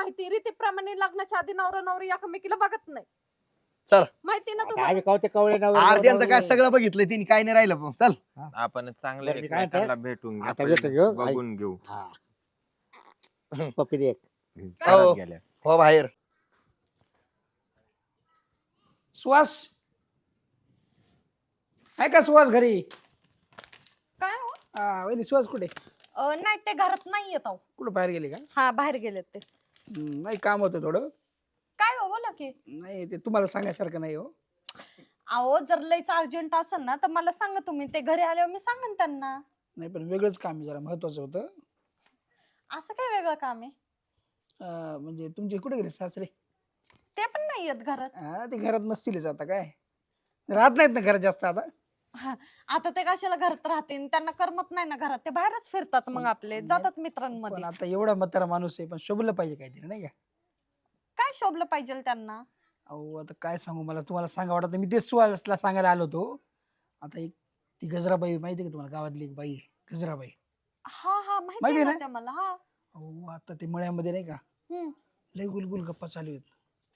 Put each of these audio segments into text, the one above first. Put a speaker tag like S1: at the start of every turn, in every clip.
S1: माहिती रीतीप्रमाणे लग्नाच्या आधी नवरा नवरी एकमेकीला बघत नाही.
S2: चल.
S1: माहिती ना
S3: काय
S1: तुम्हाला.
S3: कवते कवळे
S2: आरत्यांचं काय सगळं बघितलंय तिने, काय नाही राहिलं पण. चल
S4: आपण चांगलं
S3: बरं, मी काय
S4: एकमेकांना
S3: म्हणतो?
S4: भेटून
S3: आता
S4: घेऊ,
S3: भेटून घेऊ.
S4: बघून घेऊ.
S3: पप्पी दे एक.
S2: हो.
S4: घरात गेल्या
S2: हो बाहेर.
S5: सुहास आहे का सुहास घरी?
S1: काय हो?
S5: वहिनी सुहास कुठे?
S1: नाही ते घरात नाही येत.
S5: कुठं बाहेर गेले का?
S1: हा बाहेर गेलेत ते.
S5: नाही काम होतं थोडं.
S1: काय हो बोला की.
S5: नाही ते तुम्हाला सांगायसारखं नाही हो.
S1: अहो जर लईच अर्जंट असेल ना तर मला सांगा तुम्ही, ते घरी आल्यावर मी सांगेन त्यांना.
S5: नाही पण वेगळंच काम आहे, जरा महत्वाचं होतं.
S1: असं काय वेगळं काम आहे?
S5: म्हणजे तुमचे कुठे गेले सासरे?
S1: ते पण नाही येत घरात.
S5: ते घरात नसतीलच आता, काय राहत नाहीत ना घरात जास्त आता.
S1: आता ते कशाला घरात राहतील, त्यांना करमत नाही ना घरात, ते बाहेरच फिरतात मग आपले, जातात
S5: पण
S1: मित्रांमध्ये.
S5: आता एवढा म्हातारा माणूस आहे, पण शोभलं पाहिजे काहीतरी नाही का?
S1: काय शोभलं पाहिजे त्यांना?
S5: अहो आता काय सांगू, मला तुम्हाला सांगा वाटत नाही. मी ते सुहासला सांगायला आलो होतो. आता एक ती गजराबाई माहिती आहे का तुम्हाला? गावातली एक बाई आहे गजराबाई.
S1: हा हा
S5: माहिती
S1: माहिती
S5: ना?
S1: ना मला. हा
S5: अहो आता ते मळ्यामध्ये नाही का
S1: हम्म.
S5: लय गुलगुल गप्पा चालू आहेत.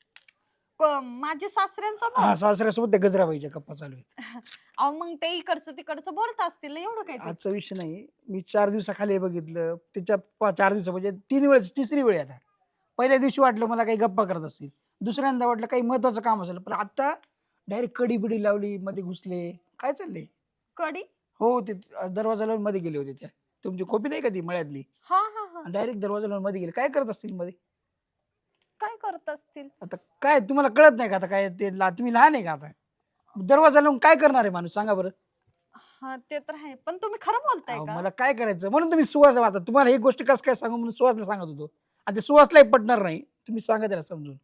S1: माझे सासऱ्यांसोबत.
S5: हा सासऱ्यासोबत त्या गजराबाईच्या गप्पा चालू आहेत.
S1: अहो मग ते इकडचं तिकडचं बोलत असतील एवढं काय ते.
S5: आजचा विषय नाही. मी 4 दिवसाखाली बघितलं त्याच्या 4 दिवसा म्हणजे 3 वेळेस, तिसरी वेळ आहे आता. पहिल्या दिवशी वाटलं मला काही गप्पा करत असतील, दुसऱ्यांदा वाटलं काही महत्वाचं काम असेल, पण आता डायरेक्ट कडी बिडी लावली, मध्ये घुसले. काय चाललंय?
S1: कडी?
S5: हो ते दरवाजा लावून मध्ये गेले होते. त्या तुमची खोपी नाही का ती मळ्यातली,
S1: हा हा हा.
S5: डायरेक्ट दरवाजा लावून मध्ये गेले. काय करत असतील मध्ये?
S1: काय करत असतील?
S5: आता काय तुम्हाला कळत नाही का? आता काय ते तुम्ही लहान आहे का? आता दरवाजा लावून काय करणार आहे माणूस, सांगा बरं?
S1: हा ते तर आहे, पण तुम्ही खरं बोलताय
S5: अहो,
S1: का?
S5: मला काय करायचं म्हणून तुम्ही सुहास. आता तुम्हाला ही गोष्ट कसं काय सांगू म्हणून सुहासला सांगत होतो. आता सुहासलाही पटणार नाही, तुम्ही सांगा त्याला समजून.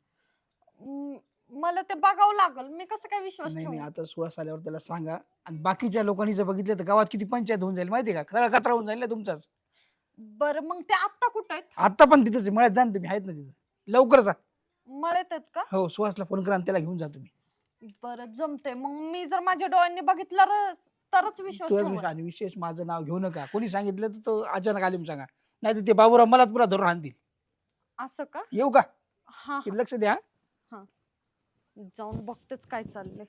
S1: मला ते बघावं लागल, मी कसं काय विश्वास
S5: नाही नाही,
S1: ठेवू?
S5: आता सुहास आल्यावर त्याला सांगा. आणि बाकीच्या लोकांनी जर बघितलं तर गावात किती पंचायत होऊन जाईल माहिती आहे का? खरा कचरा होऊन जाईल ना तुमचाच.
S1: बरं मग ते आत्ता कुठं आहेत?
S5: आता पण तिथेच आहे, मळ्यात जा ना तुम्ही, आहेत ना तिथं. लवकर जा.
S1: मळ्यात आहेत का?
S5: हो सुहासला फोन करा आणि त्याला घेऊन जा तुम्ही.
S1: बरं जमते मग, मी जर माझ्या डोळ्यांनी बघितलं तरच विश्वास
S5: तुझ्याच
S1: ठेवेन.
S5: विषय. आणि विशेष माझं नाव घेऊ नका. कोणी सांगितलं तर तो अचानक आले सांगा, नाही तर ते बाबूराव मलाच पुरा धरून आणतील.
S1: असं का?
S5: येऊ का?
S1: हा
S5: किती लक्ष द्या.
S1: जाऊन बघतेच काय चाललंय.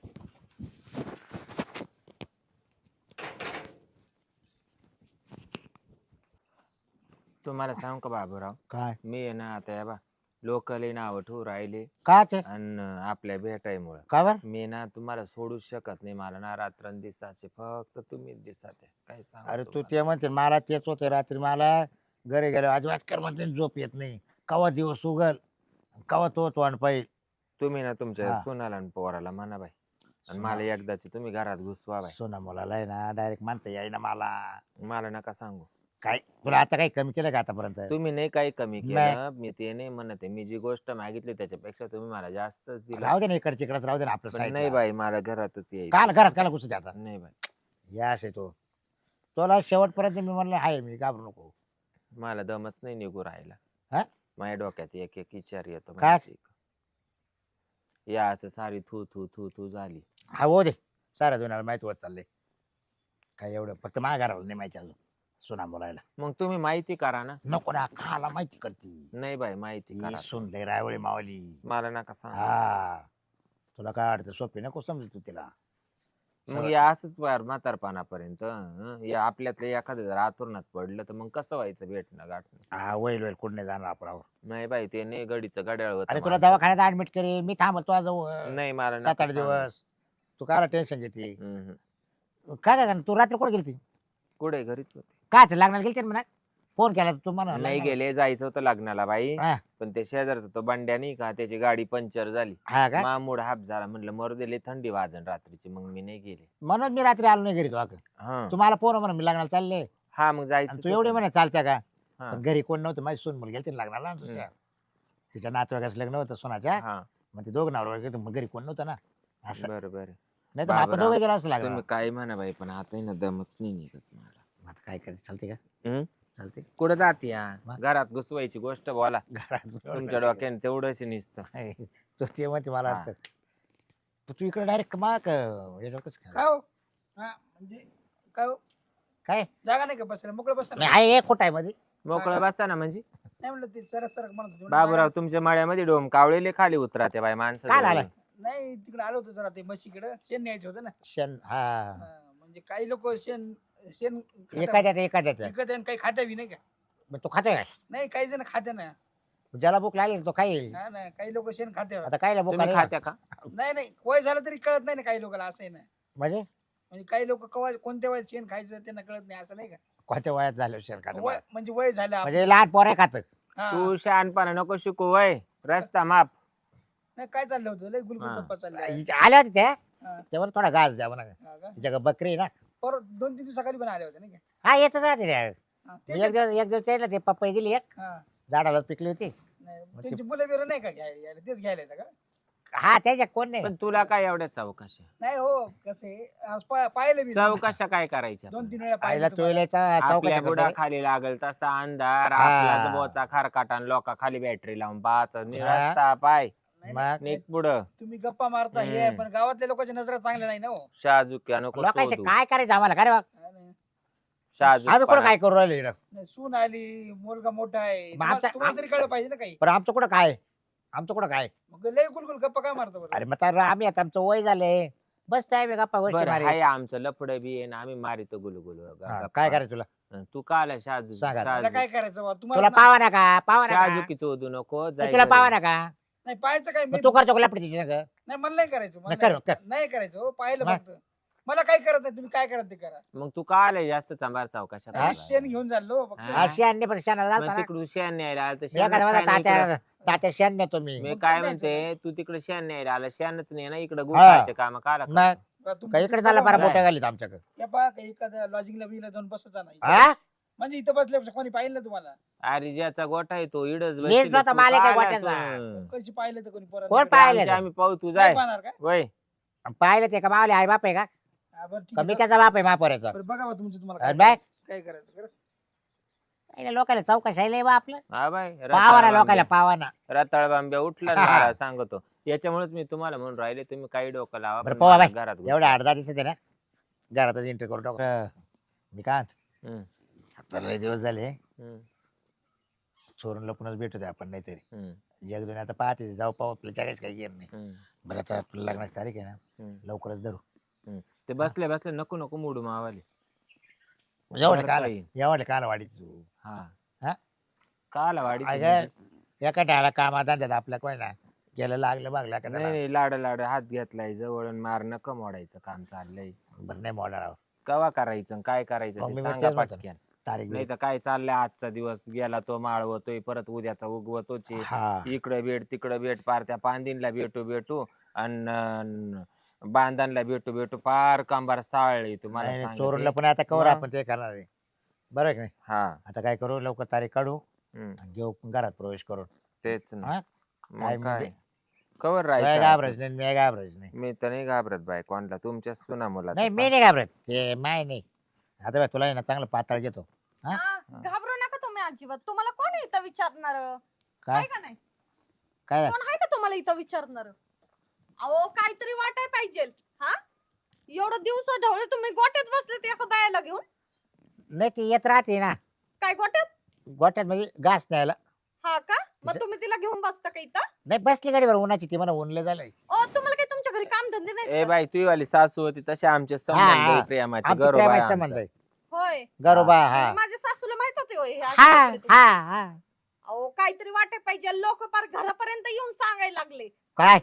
S4: तुम्हाला सांगू का बाबूराव,
S3: काय
S4: मी आहे ना आता या बा लोकल नाव ठेवू राहिले
S3: का ते
S4: आणि आपल्या भेटायमुळे
S3: का बर?
S4: मी ना तुम्हाला सोडूच शकत नाही. मला ना रात्रंदिवसाचे फक्त तुम्हीच दिसत आहे. काय सांगू
S3: अरे तू
S4: तुम्हाला.
S3: ते म्हणते मला तेच होते रात्री, मला घरी गेलो अजिबात कर म्हणते झोप येत नाही. कवा दिवस उगल कवा तो तोंड पाहिजे.
S4: तुम्ही ना तुमच्या
S3: हा.
S4: सुनाला आणि पोराला म्हणा बाई, आणि
S3: सुना-
S4: मला एकदाची तुम्ही घरात घुसवा बाई.
S3: सोना मुलाला आहे ना डायरेक्ट म्हणता येईना मला.
S4: मला नका सांगू.
S3: काय तुला आता काही कमी केलं का आतापर्यंत?
S4: तुम्ही नाही काही कमी
S3: नाही.
S4: केलं, मी ते नाही म्हणत आहे. मी जी गोष्ट मागितली त्याच्यापेक्षा तुम्ही मला जास्तच दिलं.
S3: राहू दे ना इकडे तिकडे, राहू दे ना आपलं
S4: पण
S3: side
S4: नाही
S3: ला.
S4: बाई, मला घरातच यायचं.
S3: काल घरात काला घुसू दे आता.
S4: नाही बाई,
S3: यास आहे तो तुला शेवटपर्यंत मी म्हणलं आहे, मी घाबरू नको.
S4: मला दमच नाही निघू राहिला.
S3: हा?
S4: माझ्या डोक्यात एक एक विचार येतो.
S3: काय?
S4: माहिती का? या असं सारी थू थू थू थू झाली.
S3: हा हो दे, साऱ्या दोनाला माहिती होत चाललंय. काय एवढं फक्त माझ्या घराला नाही माहिती अजून सुना बोलायला.
S4: मग तुम्ही माहिती करा ना.
S3: नको ना, खाला माहिती करती.
S4: नाही बाई, माहिती करा.
S3: सुन लय रायवळी मावली.
S4: मला नका सांग.
S3: हा तुला काय वाटतं सोपी नको समजू तू तिला.
S4: मग या असंच बाहेर म्हातारपणापर्यंत या आपल्यातलं एखादं जर आतुरणात पडलं तर मग कसं व्हायचं भेटणं गाठणं?
S3: हा वैल वैल कुठं नाही जाणार आपण.
S4: नाही बाई, ते नाही गडीचं घड्याळ होतं
S3: अरे तुला
S4: माणसाचं.
S3: दवाखान्यात ऍडमिट करेन मी, थांबल तुझ्या जवळ
S4: नाही, मला
S3: 7-8
S4: नका सांगू.
S3: दिवस. तू काय टेन्शन घेते?
S4: हम्म.
S3: काय काय करणार? तू रात्री कुठे गेली?
S4: कुठे? घरीच होते.
S3: काय ते लागणार गेलते म्हणा, फोन केला तू म्हणा
S4: नाही गेले, जायचं होतं लग्नाला बाई.
S3: हा.
S4: पण ते शेजारचा तो बंड्या नाही का, त्याची गाडी पंक्चर झाली.
S3: हा का?
S4: मामूड हाप झाला. म्हणलं मरू दिले, थंडी वाजन रात्रीची. मग मी नाही गेले.
S3: म्हणून मी रात्री आलो नाही घरी. तू
S4: हा
S3: तुम्हाला फोन म्हणा मी लग्नाला चालले,
S4: हा, मग जायचं
S3: आणि तू एवढे म्हणे चालत्या का?
S4: हा.
S3: पण घरी कोण नव्हतं, माझी सून मुलगी गेलती ना लग्नाला तुझ्या. तिच्या नातवाईकाचं लग्न होतं सोनाच्या.
S4: हा,
S3: मग ते दोघं नवरा मग घरी कोण नव्हतं ना असं.
S4: बरं बरं.
S3: नाही तर आपण
S4: बाबराव,
S3: दोघं गेलो असं लागलं.
S4: तुम्ही काय म्हणा बाई, पण आता आहे ना दमच नाही निघत मला.
S3: आता काय करायचं, चालते का?
S4: हम्म?
S3: चालते
S4: कुठं जाते या?
S3: मग?
S4: घरात घुसवायची गोष्ट बोला.
S3: घरात.
S4: तुमच्या डोक्याने तेवढंच निसतं.
S3: तो ते म्हणते मला
S4: हा.
S3: वाटतं तू इकडे डायरेक्ट मग याच्यावर कसं काय?
S5: काय हो? म्हणजे काय हो?
S3: काय
S5: जागा नाही का बसायला? मोकळं बसायला?
S3: नाही आहे कुठं आहे मध्ये?
S4: मोकळं बसा ना म्हणजे.
S5: नाही म्हणलं ते सरक सरक म्हणत होते. म्हणलं
S4: बाबूराव तुमच्या मळ्यामध्ये डोम कावळेले खाली उतरा ते बाई माणसं
S3: काय
S4: जवळ.
S3: झालं?
S5: नाही तिकडे आलो होतो जरा ते म्हशीकडे शेण न्यायचं होतं ना.
S3: शेण हा
S5: हा, म्हणजे काही लोक शेण शेण
S3: एखाद्यात एखाद्यात
S5: विकत आणि काही खात्या बी नाही का.
S3: मग तो खातोय काय
S5: नाही काही जण खाते ना.
S3: ज्याला भूक लागेल तो खाईल.
S5: हा ना काही लोक शेण खाते.
S3: आता कायला भूक
S4: तुम्ही
S3: लागेल?
S4: खात्या का
S5: नाही नाही वय झालं तरी कळत नाही ना काही लोकांना असं आहे ना.
S3: म्हणजे
S5: म्हणजे काही लोक कवा कोणत्या वयात शेण खायचं त्यांना कळत नाही असं नाही का.
S3: कोणत्या वयात झालं शेण खात
S5: वय म्हणजे वय झालं
S3: म्हणजे लहान पोरे खात
S5: हा.
S4: तू शहाणपणा नको शिकू वय रस्ता माप.
S5: नाही काय चाललं होतं लय गुलगुल
S4: हा.
S5: गप्पा चालल्या.
S3: आल्या होत्या त्या
S5: हा.
S3: तेव्हा थोडा घास द्या म्हणा
S5: हा का?
S3: तिच्या बकरी आहे ना
S5: परत 2-3 दिवसाखाली पण आले होते नाही का.
S3: हा येतच राहते त्या
S5: हा,
S3: एक दिवस त्याला ते पपई दिली एक
S5: हा.
S3: झाडाला पिकली होती
S5: नाही, त्यांची मुलं बिरं नाही का घ्यायला तेच घ्यायला येतं का.
S3: हा त्याच्या कोण नाही
S4: पण तुला काय एवढ्या चौकशा
S5: नाही हो कसे आज पाहिलं मी
S4: चौकशा काय करायच्या
S5: 2-3 वेळा
S3: आईला
S5: पाहिलं
S3: तू
S5: तुम्हाला.
S3: चौकशा
S4: आपल्या बुडा
S3: करतो.
S4: खाली लागल तसा अंधार
S3: हा.
S4: आपला बोचा खारकाटा लोका खाली बॅटरी लावून पाच
S3: हा.
S4: रस्ता पाय
S5: नाही,
S3: मग?
S5: नाही,
S4: निक पुढं
S5: तुम्ही गप्पा मारता हे आहे,
S4: हम्म.
S5: पण गावातल्या लोकांच्या नजरा चांगल्या नाही ना हो.
S4: शहाजुक्या नको
S3: लोकांचे
S4: चोदू.
S3: काय करायचं आम्हाला काय रे बा?
S5: हा ना.
S4: शहाजूक
S3: आम्ही कुठं
S4: पणा.
S3: काय करू राहिले इकडं?
S5: नाही, सून आली मुलगा मोठा आहे
S3: मग
S5: तुम्हाला
S3: आमच्या-
S5: तुम्हाला तरी कळलं पाहिजे ना काही.
S3: पण आमचं कुठं काय आमचं कुठं काय
S5: मग लय गुलगुल गप्पा काय मारता बरं.
S3: अरे मग तर आम्ही आता आमचं वय झालंय बस काय मी गप्पा गोष्टी
S4: बरं
S3: मारी.
S4: हाय आमचं लपड बी आहे ना आम्ही मारितो गुलगुल
S3: हा, काय करायचं तुला
S4: तू का आला शहाजू
S3: सांग आता.
S5: मला काय करायचं बा?
S3: तुला
S5: तुम्हाला
S3: पावा ना का पावा ना का?
S4: शहाजुकी चोदू नको जाय
S3: तुला
S4: घरी.
S3: पावा ना का
S5: नाही पाहायचं काय मी
S3: मग तू करतो का लपडी तिच्या संग?
S5: नाही मला नाही करायचं मला
S3: नाही, कर,
S5: नाही-
S3: कर.
S5: नाही करायचं हो पाहिलं
S3: मग?
S5: फक्त मला काही करत नाही तुम्ही काय करत ते करा.
S4: मग तू का आलाय जास्त चांभार चौकशा
S3: हा?
S5: शेण घेऊन चाललो फक्त.
S4: हा?
S3: अशी आणणे पण शेणाला
S4: मग
S3: घालतो ना.
S4: तिकडून शेण न्यायला आलं तर
S3: मी
S4: शेणच
S3: एखाद्या
S4: काय
S3: मला
S4: नाही इकडं.
S3: तात्या शेण नेतो मी
S4: मी
S5: मग
S4: काय
S5: काय
S4: म्हणते
S5: न्यायचं?
S4: तू तिकडे शेण न्यायला आला शेणच नाही ना इकडे गुंडाचे काम काला
S3: मग
S5: बा, तुमचं
S3: का इकडे
S5: तुम्ही
S3: झाला
S5: बघा
S3: बरा
S5: मला.
S3: बोट्या घालीत आमच्याकडे
S5: या पहा काही एखाद्या लॉजिंगला बिला जाऊन बसचा नाही
S3: हा
S5: म्हणजे इथं बसल्यापेक्षा कोणी पाहिलं ना तुम्हाला
S4: अरे ज्याचा गोठा आहे तो इडच
S3: मीच नव्हता, मालक आहे गोठ्याचा.
S5: कशी पाहिलं तर कोणी पोरांनी.
S3: कोण पाहिलं?
S4: आम्ही पाहू तू
S5: नाही
S4: जाय
S5: पाहणार काय
S4: वय
S3: पाहिलं ते का मावले आई बाप आहे का
S5: हा, बरं ठीक
S3: का
S5: आहे,
S3: मी
S5: चला.
S3: त्याचा बाप आहे महापोऱ्याचा
S5: बरं, बघा बा तुमचं तुम्हाला
S3: अरे
S5: काय
S3: बाय
S5: काय करायचं करा.
S3: लोकांना चौकशी आहे बा आपलं
S4: हा बाय
S3: पावा ना लोकांना पावा ना
S4: रताळ बांब्या उठला ना
S3: हा.
S4: मला सांगतो याच्यामुळेच मी तुम्हाला म्हणून राहिले तुम्ही काही डोकं लावा
S3: बरं
S4: पण
S3: पोवा
S4: मला
S3: बाय
S4: घरात
S3: एवढ्या 8-10 दिवसात आहे ना घरातच एंट्री करून टाकू मी काय म्हणतो,
S4: हम्म,
S3: आता लय दिवस झाले
S4: हम्म,
S3: चोरून लपूनच भेटू आपण नाहीतरी
S4: हम्म,
S3: जग दुनिया आता पाहते जाऊ पाहू आपल्या जगाच काही गेम नाही
S4: हम्म,
S3: बरं आता आपलं लग्नाची तारीख आहे ना
S4: हम्म.
S3: लवकरच धरू
S4: ते बसले बसले नको नको मोडू मावाले
S3: एवढे
S4: परत
S3: काल
S4: काही.
S3: एवढे काल वाढीत तू
S4: हा
S3: हा?
S4: काला वाडी
S3: अगं, एका टाळा कामात धंद्यात आपल्या कोण ना गेलं लागलं बागलं का
S4: नाही नाही लाड लाड हात घेतलाय जवळ मार नका मोडायचं काम चाललंय
S3: बरं नाही मोडणार
S4: कवा करायचं आणि काय करायचं
S3: मग
S4: ते
S3: मी
S4: सांगा
S3: तेच म्हणतो.
S4: पटक्यान
S3: तारीख
S4: नाही तर काय चाललंय आजचा दिवस गेला तो माळवतोय परत उद्याचा उगवतोच आहे.
S3: हा
S4: इकडे भेट तिकडे भेट पार त्या पांदिनला भेटू भेटू आणि बांधणला भेटू भेटू पार कांबार साळली तुम्हाला
S3: नाही, नाही,
S4: सांगते.
S3: चोरूनला पण आता कवर
S4: मग?
S3: आपण ते करणार आहे बरं आहे की नाही
S4: हा
S3: आता काय करू लवकर तारीख काढू
S4: हम्म,
S3: आणि घेऊ घरात प्रवेश करून
S4: तेच ना
S3: हा? काय
S4: मग काय
S3: म्हणजे?
S4: कवर
S3: काय
S4: राहायचं
S3: घाबरायचं
S4: असं?
S3: नाही मी घाबरायचं नाही
S4: मी तर नाही घाबरत बाय कोणला तुमच्या सुना मुला
S3: नाही मी नाही घाबरत ते माय नाही आता बघ, तुला आहे ना चांगलं पातळ घेतो हा?
S1: हा, घाबरू नका तुम्ही अजिबात तुम्हाला कोण आहे इथं विचारणार
S3: काय
S1: आहे का नाही
S3: काय
S1: कोण आहे का तुम्हाला इथं विचारणार अहो काहीतरी वाटाय पाहिजे हा एवढं दिवस ढवळे तुम्ही गोट्यात बसले ते एका बायाला घेऊन
S3: नाही ती येत राहते ना
S1: काय गोट्यात
S3: गोट्यात म्हणजे घास न्यायला
S1: हा का मग तुम्ही तिला घेऊन बसता का इथं
S3: नाही बसली गाडीवर उन्हाची ती मला उनलं झालंय
S1: ओ तुम्हाला काही तुमच्या घरी काम धंदे
S4: ए
S1: नाही
S4: बाई तुझी वाली सासू होती तसे आमचे संबंध
S3: हा.
S4: आहे प्रेमाचे
S3: आमचं
S4: गरोबा आहे
S3: प्रेमाचं संबंध
S4: आमचा.
S3: आहे
S1: होय
S3: गरोबा हा
S1: म्हणजे माझ्या सासूला माहित होते होय हे
S3: हा
S1: असे कपडे
S3: हा
S1: तुम्ही.
S3: हा
S1: अहो काहीतरी वाटाय पाहिजे लोक पार घरापर्यंत येऊन सांगायला लागले
S3: काय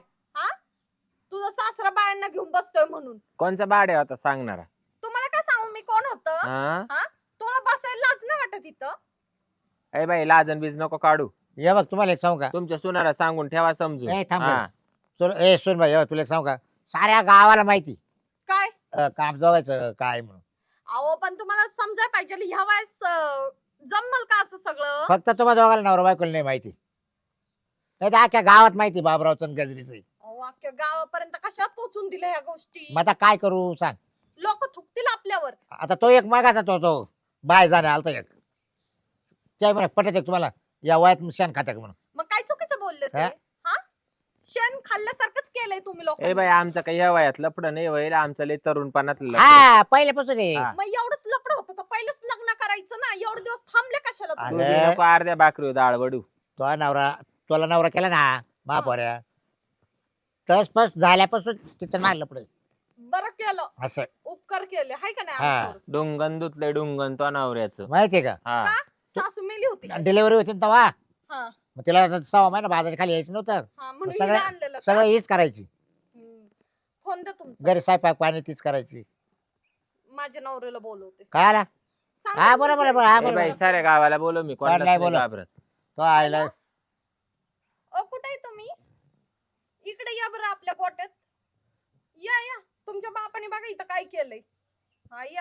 S1: तुझा सासरा बायांना घेऊन बसतोय म्हणून
S4: कोणचा बाड्या होता सांगणारा
S1: तुम्हाला काय सांगू मी कोण होतं
S4: हा
S1: तुला बसायला लाज नाही वाटत इथं
S4: ए बाई लाजन बीज नको काढू
S3: ये बघ तुम्हाला एक सांगू का
S4: तुमच्या सुनाला सांगून ठेवा समजून
S3: ए, थांब
S4: हा.
S3: ए सुन भाई तुला एक सांगू का साऱ्या गावाला माहिती
S1: काय
S3: काम जवायचं काय म्हणून
S1: अहो पण तुम्हाला समजाय पाहिजे ह्या वयास जमल का असं सगळं
S3: फक्त तुम्हाला दोघाला नवरा बायकोला नाही माहिती नाही तर अख्ख्या गावात माहिती बाबरावचं आणि गजरीचं
S1: अहो, अख्ख्या गावापर्यंत कशा पोहोचून दिल्या ह्या गोष्टी
S3: मग आता काय करू सांग
S1: लोक थुकतील आपल्यावर
S3: आता तो एक मागाचा तो बाय जाणे आलता एक काय म्हणा पटत आहे तुम्हाला या वयात शेण खाता का म्हणून
S1: मग काय चुकीचं बोलले ते
S3: हा?
S1: हा शेण खाल्ल्यासारखंच केलंय तुम्ही लोक
S4: ए बाई आमचं काही या वयात लपड नाही व्हायला आमचं लय तरुणपणात लफडं.
S3: हा पहिल्यापासून आहे
S4: हा.
S1: मग एवढंच लपड होतं तर पहिलंच लग्न करायचं जायचं ना, एवढे दिवस थांबले कशाला
S3: अरे.
S1: तुम्ही?
S4: तू बी नको अर्ध्या भाकरी डाळ वडू.
S3: तो नवरा तुला नवरा केला ना महापोऱ्या तस पस झाल्यापासून तिचं मारलं पुढे
S1: बरं केलं,
S3: असं
S1: उपकार केले हाय का नाही
S3: हा.
S1: आमच्यावरच?
S4: डुंगन धुतले डुंगन तो नवऱ्याचं.
S3: माहितीये का
S4: हा
S1: का सासू मेली होती?
S3: डिलिव्हरी होती ना तेव्हा
S1: हा
S3: मग तिला 6 महिना बाजाच्या खाली यायचं नव्हतं
S1: हा, म्हणून
S3: सगळं-
S1: हिला आणलेलं का?
S3: सगळं हीच करायची
S1: फोन दे तुमचा,
S3: घरी स्वयंपाक पाणी तीच करायची
S1: माझ्या नवऱ्याला बोलवते.
S3: काय आला
S1: सांगा
S3: हा
S1: तुमचं.
S3: बरोबर हा
S4: ए बाई
S3: बरोबर
S4: साऱ्या गावाला बोलव मी कोणालाच
S3: नाही
S4: नाही
S3: बोलव.
S4: घाबरत.
S3: तो आयला
S1: ओ कुठे आहे तुम्ही? इकडे या बरं आपल्या गोट्यात. या या, तुमच्या बापाने बघा इथं काय केलंय. हा या.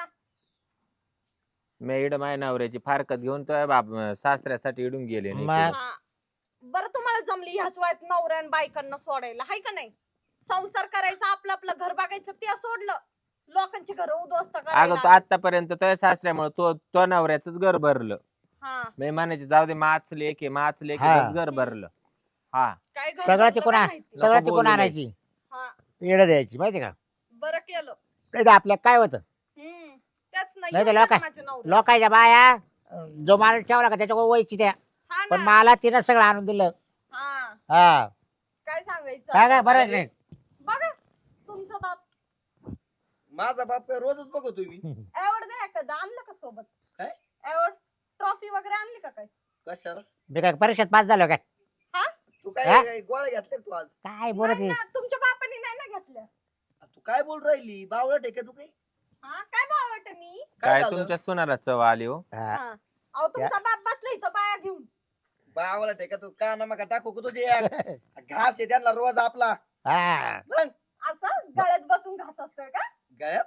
S4: मेड माय नवऱ्याची फारकत घेऊन तो बाप सासऱ्यासाठी इडून गेले नाही
S3: मग-
S4: ते.
S1: हा बरं, तुम्हाला जमली ह्याच वयात नवऱ्या आणि बायकांना सोडायला हाय का नाही? संसार करायचा, आपलं आपलं घर बघायचं, ते सोडलं. लोकांची घर उद्ध्वस्त
S4: अगं तो
S1: करायला.
S4: आतापर्यंत तो सासऱ्यामुळे तो नवऱ्याच घर भरलं.
S1: हा
S4: मी म्हणायचे जाऊ दे माच लेके
S3: हा.
S4: घर भरलं. हा
S1: काय घर
S3: सगळं
S1: भरलं
S3: तिकडून
S1: काय
S3: आ-
S1: माहिती.
S3: सगळं
S4: नको
S3: तिकडून
S4: बोलू बाई.
S3: आणायची
S1: हा
S3: येडं द्यायची माहिती का
S1: बरं केलं.
S3: नाही तर आपल्या काय होतं
S1: त्याच नाही
S3: नाही तर
S1: येऊ
S3: लोक-
S1: द्या माझ्या नवऱ्याला.
S3: लोकांच्या बाया जो माणूस ठेवला का त्याच्याकडे वयची त्या
S1: हा
S3: पण
S1: ना.
S3: मला तिनं सगळं आणून दिलं
S1: हा
S3: हा
S1: काय सांगायचं
S3: काय काय
S1: आता?
S3: बरं नाही
S1: बघा तुमचा बाप
S2: माझा बाप काय रोजच बघतो तुम्ही
S1: एवढ द्या एखादं आणलं का सोबत?
S2: काय?
S1: एवढ ट्रॉफी वगैरे आणली का काय?
S2: कशाला
S3: मी काय परीक्षेत पास झालो काय
S2: तू
S3: हा?
S2: काय गोळ्या घेतल्या का तू आज
S3: काय बोलत
S1: नाही
S3: आहे?
S1: ना, तुमच्या बापाने नाही ना घेतल्या.
S2: तू काय बोल राहिली बावळट आहे का तू काही
S1: हा काय भावट मी?
S4: काय
S2: झालं?
S4: तुमच्या सुनाला चव आली हो.
S3: हा.
S1: हा. अहो तुमचा बाप बसला इथं बाया घेऊन.
S2: बावळट आहे का तू का ना मग टाकू का तुझे घास आहे त्यांना रोज आपला
S3: हा.
S2: मग
S1: असं गळ्यात बसून घास असतोय का?
S2: गळ्यात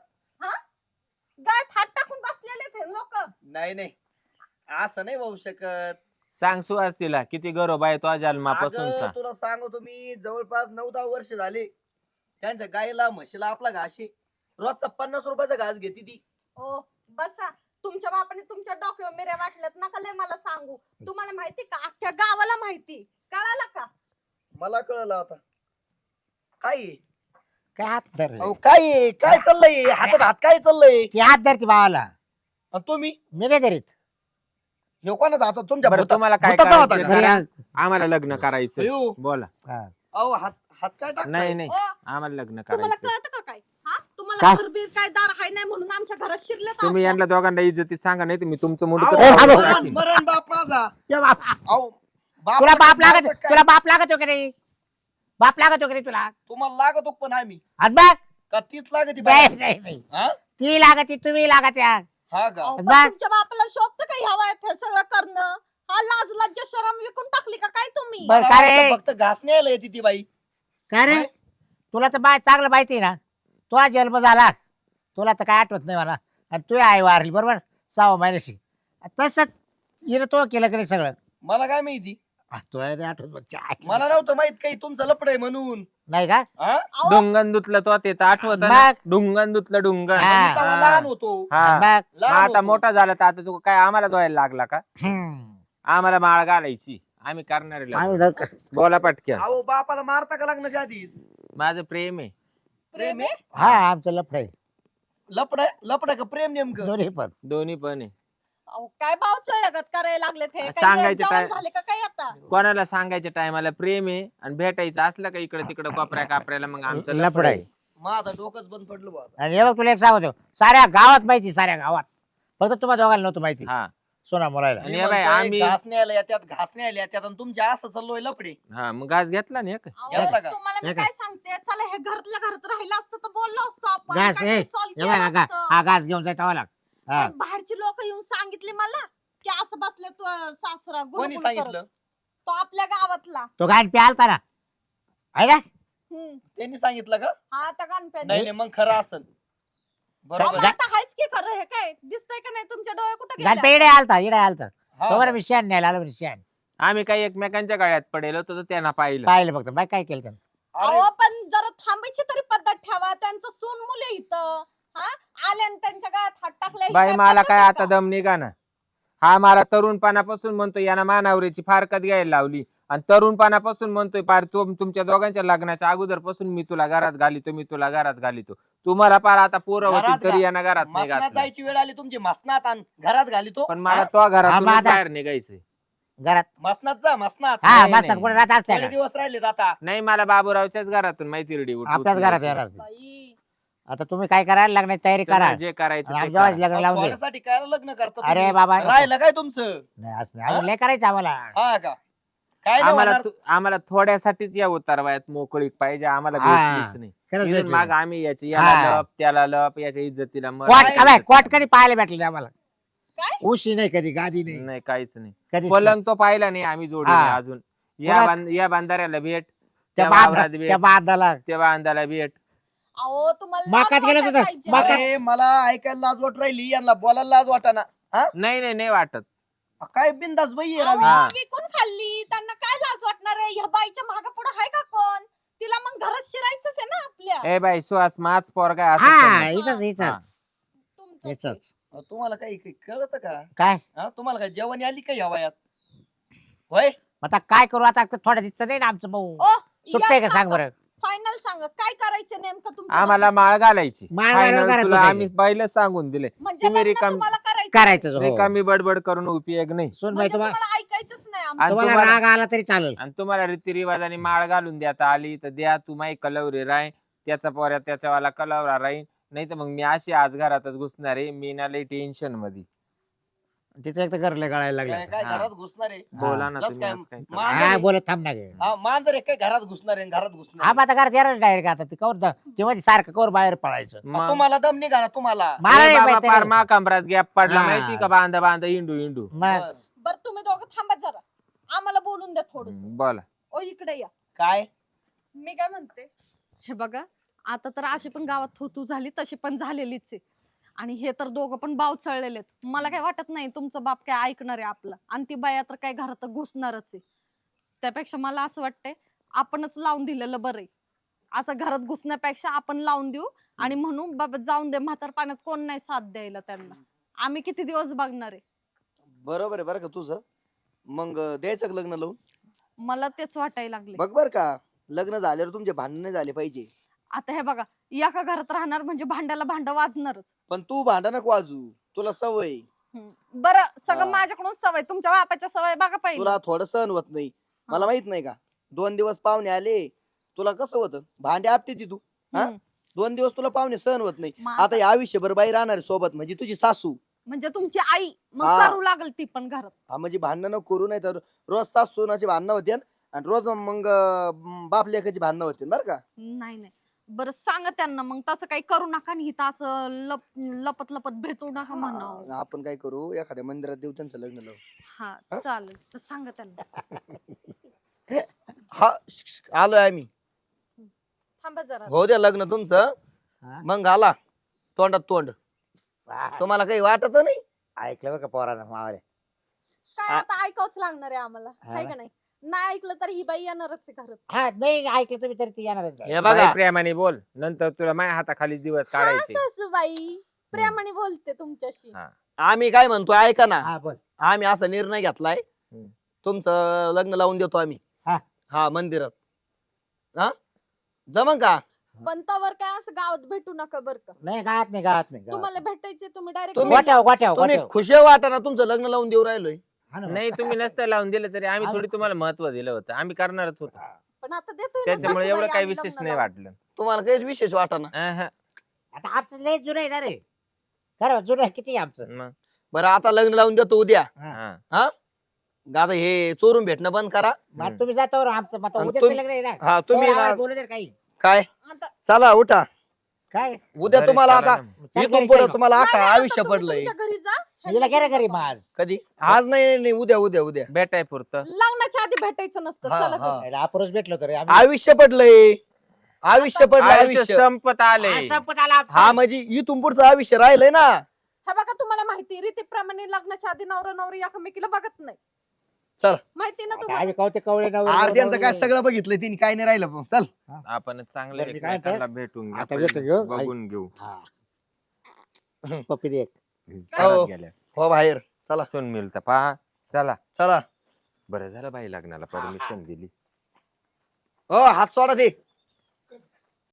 S1: गळ्यात हात टाकून बसलेले ते लोक.
S2: नाही नाही असं नाही होऊ शकत
S4: सांग सुहास तिला किती गौरव आहे तो जन्मापासूनचा.
S2: अगं, तुला सांगतो मी जवळपास 9-10 वर्ष झाले त्यांच्या गाईला म्हशीला आपला घास आहे रोजचा 50 रुपयाचा घास घेते ती
S1: ओ बसा. तुमच्या बापाने तुमच्या डोक्यावर मिऱ्या वाटल्यात नका लय मला सांगू. तुम्हाला माहिती का अख्ख्या गावाला माहिती कळालं का?
S2: मला कळलं आता काय आहे?
S3: काय हात धर
S2: अहो, काय आहे? काय चाललंय हातात हात काय चाललंय
S3: ती हात धरती भावाला
S2: आणि तुम्ही
S3: मी नाही करीत
S2: हे कोणाचा हातात तुमच्या
S4: बरं,
S2: भुता-
S4: तुम्हाला काय
S2: भुताचा होता
S4: करायचं?
S2: का?
S3: घरी आण.
S4: आम्हाला लग्न करायचं
S2: अयो,
S4: बोला.
S3: हा.
S2: अहो हात हात काय टाकताय?
S4: नाही नाही
S1: ओ
S4: आम्हाला लग्न
S1: तुम्हाला
S4: करायचं.
S1: कळतं का काय? हा तुम्हाला
S3: काय?
S1: घरबीर काय दार हाय नाही म्हणून आमच्या घरात शिरले
S4: तुम्ही यांना दोघांना इज्जती सांगा नाही तुम्ही तुमचं
S2: अहो,
S4: मुंडकं
S3: ए,
S4: तोडून
S3: हॅलो.
S4: टाकीन.
S2: मरण बाप माझा
S3: ये बाप.
S2: अहो
S3: तुला बाप लागत
S2: काय?
S3: तुला बाप लागत का नाही बाप लागत का नाही तुला
S2: तुम्हाला लागतो पण आम्ही
S3: आणि बघ
S2: का तीच लागती
S3: नाही
S2: बाई?
S3: नाही, नाही.
S2: हा?
S3: ती लागत तुम्ही लागत या
S2: हा का
S1: अहो, पण
S3: बा-
S1: तुमच्या बापाला शोभतं का ह्या वयात हे सगळं करणं? हा लाज लज्जा शरम विकून टाकली का काय तुम्ही?
S3: बरं,
S2: मला
S3: का रे?
S2: वाटतं फक्त घास न्यायला येते ती बाई
S3: काय रे
S2: काय?
S3: तुला तर बाय चांगलं माहिती आहे ना तो आज जन्म झाला तुला तर काय आठवत नाही मला आणि तू आई वारली बरोबर 6 महिन्याशी तसंच हिनं तो केलं की नाही सगळं
S2: मला काय माहिती
S3: तो नाही आठवत बघ, च्या.
S2: मला नव्हतं माहित काही तुमचं लपड आहे म्हणून
S3: नाही का
S2: हा?
S1: अहो,
S4: डुंगन धुतलं तो ते तर आठवत ना
S3: मग?
S4: डुंगन धुतलं डुंगन.
S3: हा.
S2: मी तेव्हा
S4: हा.
S2: लहान होतो
S4: हा
S3: बघ
S4: मग
S2: लहान
S4: आता
S2: होतो.
S4: मोठा झाला तर आता तू काय आम्हाला धुवायला लागला का?
S3: हम्म.
S4: आम्हाला माळ घालायची आम्ही करणार
S3: आम्ही जाऊ.
S4: बोला पटक्या.
S2: अहो बापाला मारता का लग्नाच्या आधीच
S4: माझं प्रेम आहे.
S1: प्रेम आहे?
S3: हा आमचं लफड आहे
S2: लपड का प्रेम नेमकं
S3: दोन्ही पण
S4: दोन्ही पण आहे.
S1: अहो, काय भाव चळगत करायला लागले ते
S4: सांगायचं काय?
S1: झाले का काय आता?
S4: कोणाला सांगायच्या टायमाला प्रेम आहे आणि भेटायचं असलं का इकडे तिकडे कोपऱ्या कापऱ्याला मग आमचं
S3: लफड आहे
S2: माझा डोकंच बंद पडलं बाबा
S3: आणि हे बघ तुला एक सांगतो साऱ्या गावात माहिती साऱ्या गावात फक्त तुम्हाला दोघांना नव्हतं माहिती
S4: हा
S3: सोना मुलाला
S4: आणि हे बाई, आम्ही-
S2: घास न्यायला येतात घास न्यायला येतात आणि तुमच्या असं चाललोय लपडे
S4: हा मग घास घेतला ना एक.
S1: अहो,
S2: घेतला का?
S1: तुम्हाला मी
S3: हे का?
S1: काय सांगते चला हे घरातल्या घरात राहिलं असतं तर बोललो असतो आपण
S3: घास
S1: काहीतरी
S3: हे
S1: solve
S3: हे
S1: केलं
S3: बघा,
S1: असतं.
S3: हा घास घेऊन जायचा मला हा
S1: पण बाहेरची लोक येऊन सांगितले मला की असं बसले तू सासरा
S2: कोणी
S1: गुणगुण
S2: सांगितलं
S1: करत. तो आपल्या गावातला.
S3: तो घाण प्यालता ना आहे ना
S2: त्यांनी सांगितलं का
S1: हा त्या गणप्याने.
S2: नाही नाही, मग खरं असेल
S1: अहो,
S2: बरोबर
S1: मग आता हायच की खरं हे काय दिसतंय का नाही तुमच्या डोळे कुठे
S3: घाण
S1: गेले?
S3: इडे आलता
S2: हा.
S3: तो बरं मी शेण न्यायला आलो म्हणे शेण
S4: आम्ही काही एकमेकांच्या गळ्यात पडेल होतो तर त्यांना पाहिलं.
S3: पाहिलं फक्त बाय काय केलं त्यानं
S2: अरे,
S1: अहो पण जरा थांबायची तरी पद्धत ठेवा त्यांचं सून मुले इथं हा आले आणि त्यांच्या गावात हात टाकले ही
S4: बाई मला
S1: पद्धत
S4: काय
S1: आहे
S4: आता
S1: का?
S4: दम निघा ना. हा मला तरुणपणापासून म्हणतो यानं मानावरीची फारकत घ्यायला लावली आणि तरुणपणापासून म्हणतोय पार तुमच्या दोघांच्या लग्नाच्या अगोदर पासून मी तुला घरात घालितो, मी तुला घरात घालितो. तुम्हाला पार आता पोरं
S2: घरात
S4: होती तरी
S2: घा-
S4: यांना घरात नाही
S2: मसनात
S4: घातलं.
S2: जायची वेळ आली तुमची, मसनात आण घरात घाली तो.
S4: पण मला तो घरातून
S3: मग आता-
S4: बाहेर निघायचंय.
S3: घरात
S2: मसनात जा, मसनात.
S3: हा
S4: नाही,
S3: मस्त
S4: नाही.
S3: कुठे राहत असते
S2: थोडे दिवस राहिलेत आता.
S4: नाही मला बाबूरावच्याच घरातून माहिती रेडी
S3: आपल्याच घरात येणार
S1: बाई
S3: आता तुम्ही काय करा लग्नाची तयारी करा
S4: जे करायचं
S3: आणि
S4: ते
S3: आमच्या
S4: करा.
S3: लग्न लावून दे
S2: थोड्यासाठी काय लग्न करता
S3: अरे
S2: तुम्ही?
S3: बाबा
S2: राहिलं काय तुमचं?
S3: नाही असं नाही. अजून लय करायचं आम्हाला
S2: हा का? काय नाही
S4: आम्हाला
S2: होणार?
S4: आम्हाला थोड्यासाठीच या उतारवायात मोकळीक पाहिजे, आम्हाला
S3: हा.
S4: भेटलीच नाही.
S3: खरंच
S4: इथून
S3: भेटली
S4: माग
S3: नाही.
S4: आम्ही याची
S3: हा.
S4: याला लप त्याला लप याच्या इज्जतीला मर
S3: कोट काय कोट कधी पाहायला भेटलं नाही आम्हाला
S1: काय?
S3: उशी नाही कधी गादी नाही
S4: नाही काहीच नाही.
S3: कधी
S4: पलंग तो पाहिला नाही आम्ही जोडीने
S3: हा.
S4: अजून.
S3: पुन्हा-
S4: या बांधाऱ्याला भेट,
S3: त्या
S4: त्या वावरात
S3: बांधा
S4: भेट,
S3: त्या बांधाला
S4: त्या बांधाला भेट.
S1: अहो तुम्हाला
S3: मकात
S1: लाज
S3: गेलं
S1: वाटायला
S3: होतं.
S1: पाहिजे.
S3: मकात-
S2: अरे मला ऐकायला लाज वाट राहिली, यांना बोलायला लाज वाटाना.
S4: नाही नाही वाटत.
S2: काय बिंदास बाई आहे
S1: अहो,
S2: रवी.
S4: हा.
S1: विकून खाल्ली त्यांना काय लाज वाटणार आहे? ह्या बाईच्या माग पुढे आहे का कोण? तिला मग घरात शिरायचंच आहे ना आपल्या.
S4: ए बाई सुहास माच पोरगा आहे, असं
S3: हा
S4: समज.
S3: इथंच
S4: हा.
S3: इथंच
S1: तुमचं
S3: इथंच
S2: तुम्हाला काही काही कळत का?
S3: काय
S2: हा, तुम्हाला काय जेवण आली का या वयात? होय,
S3: आता काय करू आता थोड्या दिवस नाही ना आमचं भाऊ
S1: ओ
S3: सुटतंय का सांग बरं
S1: फायनल सांगा काय करायचं नेमकं तुमच्या
S4: आम्हाला माळ घालायची.
S3: माळ
S4: Final
S3: घालायला
S4: तुला
S3: घालायची.
S4: आम्ही पहिलं सांगून दिले.
S1: म्हणजे
S4: तुम्ही
S1: लग्न
S4: रिकाम-
S1: तुम्हाला करायचं
S3: करायचं हो.
S4: रिकामी बडबड करून उपयोग नाही.
S3: सुन बाई
S1: म्हणजे
S3: तुम्हाला
S1: तुम्हाला ऐकायचंच नाही आमचं.
S4: आणि
S3: तुम्हाला
S4: तुम्हाला-
S3: राग आला तरी चालेल
S4: आणि तुम्हाला रीतिरिवाजाने माळ घालून देता आली तर द्या. तू माही कलवरी राय, त्याचा पोऱ्या त्याच्यावाला कलवरा राहीन. नाही तर मग मी अशी आज घरातच घुसणार आहे. मी ना लई टेन्शन मध्ये.
S3: तिथे एक तर घरले गळायला
S2: काय
S3: लागलं
S2: काय
S4: हा.
S2: घरात घुसणार आहे?
S4: बोला ना
S2: जस
S4: तुम्ही
S2: काय
S4: आज काय करता.
S2: मांजर
S3: हा
S2: आहे.
S3: बोलत थांब ना गे
S2: हा, मांजर आहे काय घरात घुसणार आहे, घरात घुसणार
S3: हा
S2: आहे.
S3: मग आता घरात येणार डायरेक्ट आता ते कवर तेव्हा सारखं कवर बाहेर पळायचं
S4: मग-
S2: तुम्हाला दम निघा ना तुम्हाला.
S3: मला
S4: ए
S3: नाही
S4: बाबा
S3: माहिती
S4: पार
S3: नाही.
S4: मा कमरात गॅप पडला
S3: हा.
S4: माहिती का? बांधा बांधा इंडू इंडू.
S3: मग
S2: बरं.
S1: बरं तुम्ही दोघं थांबा जरा आम्हाला बोलून द्या थोडस.
S4: बोला.
S1: ओ इकडे या.
S2: काय
S1: मी काय म्हणते हे बघा आता तर अशी पण गावात थोतू झाली तशी पण झालेलीच आहे आणि हे तर दोघं पण बाव चळलेलेत. मला काय वाटत नाही तुमचं बाप काय ऐकणार आहे आपलं आणि ती बाया तर काय घरात घुसणारच आहे. त्यापेक्षा मला असं वाटतंय आपणच लावून दिलेलं बरं आहे. असं घरात घुसण्यापेक्षा आपण लावून देऊ आणि म्हणून बाबा जाऊन दे म्हातार पाण्यात कोण नाही साथ द्यायला त्यांना. आम्ही किती दिवस बघणार आहे.
S2: बरोबर आहे बरं का तुझं. मग द्यायचं का लग्न लावून?
S1: मला तेच वाटायला लागले.
S2: बघ बर का, लग्न झाल्यावर तुमचे भांडण नाही झाले पाहिजे.
S1: आता हे बघा एका घरात राहणार म्हणजे भांड्याला भांड वाजणारच.
S2: पण तू भांडण नको वाजू, तुला सवय.
S1: बरं सगळं
S2: हा.
S1: माझ्याकडून सवय तुमच्या बापाच्या सवय बघा पाहिजे.
S2: तुला थोडं सहन होत नाही. मला माहित नाही का, 2 दिवस पाहुणे आले तुला कसं होतं, भांडे आपटे ती तू. हा? 2 दिवस तुला पाहुणे सहन होत नाही.
S1: मग
S2: आता
S1: आता-
S2: या आयुष्यभर बाई राहणार आहे सोबत, म्हणजे तुझी सासू.
S1: म्हणजे तुमची आई मग
S2: हा.
S1: करू लागल ती पण घरात.
S2: हा, म्हणजे भांडणं करू नाही तर रोज सासू सुनाची भांडणं होते आणि रोज मग बाप लेकाची भांडणं होते बरं का.
S1: नाही नाही बरं सांगा त्यांना मग तसं काही करू नका आणि इथं असं लपत लपत भेटू नका म्हणावं.
S2: आपण काय करू, एखाद्या मंदिरात देऊ त्यांचं लग्न लावू.
S1: हा चालेल तर सांगा त्यांना.
S2: हा आलोय आम्ही.
S1: थांबा जरा.
S2: हो द्या लग्न तुमचं,
S3: हा?
S2: मग घाला तोंडात तोंड. तुम्हाला काही वाटत नाही?
S3: ऐकलं बरं का पोरानं मावाले
S1: काय आता ऐकावंच लागणार आहे आम्हाला
S3: हा
S1: आहे
S3: ना.
S1: का नाही. नाही ऐकलं तर ही बाई येणारच आहे घरात.
S3: हा नाही ऐकलं तुम्ही तरी ती येणारच नाही.
S2: हे बघा
S4: बाई प्रेमाने बोल, नंतर तुला माझ्या हाताखाली दिवस
S1: हा
S4: काढायचे.
S1: सासूबाई प्रेमाने बोलते तुमच्याशी.
S4: हा.
S2: आम्ही काय म्हणतो ऐका ना,
S3: हा बोल
S2: आम्ही असा निर्णय घेतलाय,
S4: हम्म.
S2: तुमचं लग्न लावून देतो आम्ही.
S3: हा.
S2: हा मंदिरात. हा जमन का?
S1: पण तवर काय असं गावात भेटू नका बरं का.
S3: नाही गावात नाही गावात नाही गावात
S1: तुम्हाला भेटायचे तुम्ही डायरेक्ट
S2: तुम्ही-
S3: गोट्याव गोट्याव
S2: तुम्ही
S3: गोट्याव
S2: खुशी वाटा ना, तुमचं लग्न लावून देऊ राहिलोय.
S3: हा ना.
S4: नाही तुम्ही नसतं लावून दिलं तरी आम्ही थोडी तुम्हाला महत्व दिलं होतं. आम्ही करणारच होतो.
S1: पण आता देतोय ना
S4: त्याच्यामुळे
S1: सासूबाई
S4: एवढं काही
S1: आम्ही
S4: विशेष
S1: लग्न
S4: नाही
S1: लावून.
S4: वाटलं.
S2: तुम्हाला काहीच विशेष वाटा ना.
S4: अहं.
S3: आता आमचं लय जुनं आहे ना रे खरं जुनं आहे किती आहे आमचं
S4: मग.
S2: बरं आता लग्न लावून देतो उद्या.
S4: हा.
S2: आता हे चोरून भेटणं बंद करा.
S3: मग तुम्ही जातावर आमचं मग
S2: आणि
S3: उद्या
S2: तुम्ही-
S3: लग्न आहे ना
S2: हा तुम्ही
S3: तुम्ही
S2: ना-
S3: बोलू दे काही
S2: काय
S1: आता
S2: चला उठा,
S3: काय
S2: उद्या
S4: घरी
S2: तुम्हाला
S4: चला
S2: आता
S4: ना.
S3: चल
S2: इथून
S3: घरी
S2: पुढे
S3: चल.
S2: तुम्हाला
S1: नाही,
S2: अख्खा
S1: नाही, आता
S2: आयुष्य
S1: तुम्ही
S2: पडलंय.
S1: तुमच्या घरी जा.
S3: हिला घ्या रे घरी मग आज
S2: कधी? आज नाही नाही, उद्या उद्या उद्या.
S4: भेटाय पुरतं.
S1: लग्नाच्या आधी भेटायचं नसतं.
S2: हा,
S1: चला
S2: हा.
S1: घरी.
S3: आपण भेटलो तर आम्ही
S2: आयुष्य पडलंय, आयुष्य पडलंय
S4: आयुष्य
S2: आयुष्य.
S4: संपत आले.
S3: आज संपत आला आमचं.
S2: हा म्हणजे इथून पुढचं आयुष्य राहिलंय ना.
S1: हे बघा तुम्हाला माहिती रीतीप्रमाणे लग्नाच्या आधी नवरा नवरी एकमेकीला बघत नाही.
S2: चल.
S1: माहिती ना
S3: आता
S1: तुम्हाला.
S3: आम्ही कवते कवळे
S2: आरत्यांचं काय सगळं बघितलंय तिने, काय नाही राहिलं पण. चल
S4: आपण चांगलं
S3: बरं, मी काय
S4: एकमेकांना भेटून
S3: आता
S4: घेऊ,
S3: भेटून घेऊ.
S4: बघून घेऊ.
S3: पप्पी दे एक.
S4: घरात
S2: हो.
S4: गेल्या.
S2: हो बाहेर चला
S4: सुन मिळतं पहा. चला
S2: चला.
S4: बरं झालं बाई लग्नाला परमिशन दिली.
S2: हो हात सोडा ते